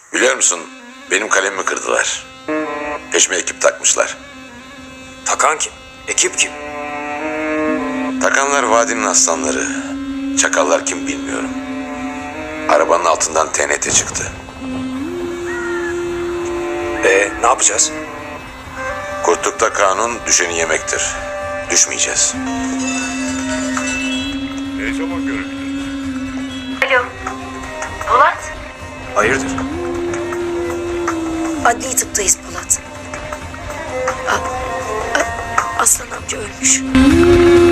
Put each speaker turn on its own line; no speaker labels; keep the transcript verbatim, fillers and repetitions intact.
Biliyor musun, benim kalemimi kırdılar. Peşime ekip takmışlar.
Takan kim? Ekip kim?
Takanlar vadinin aslanları. Çakallar kim bilmiyorum. Arabanın altından T N T çıktı.
Ee, ne yapacağız?
Kurtlukta kanun düşeni yemektir. Düşmeyeceğiz.
Ne zaman görebiliriz?
Alo. Polat.
Hayırdır?
Adli tıptayız Polat. A- A- Aslan amca ölmüş.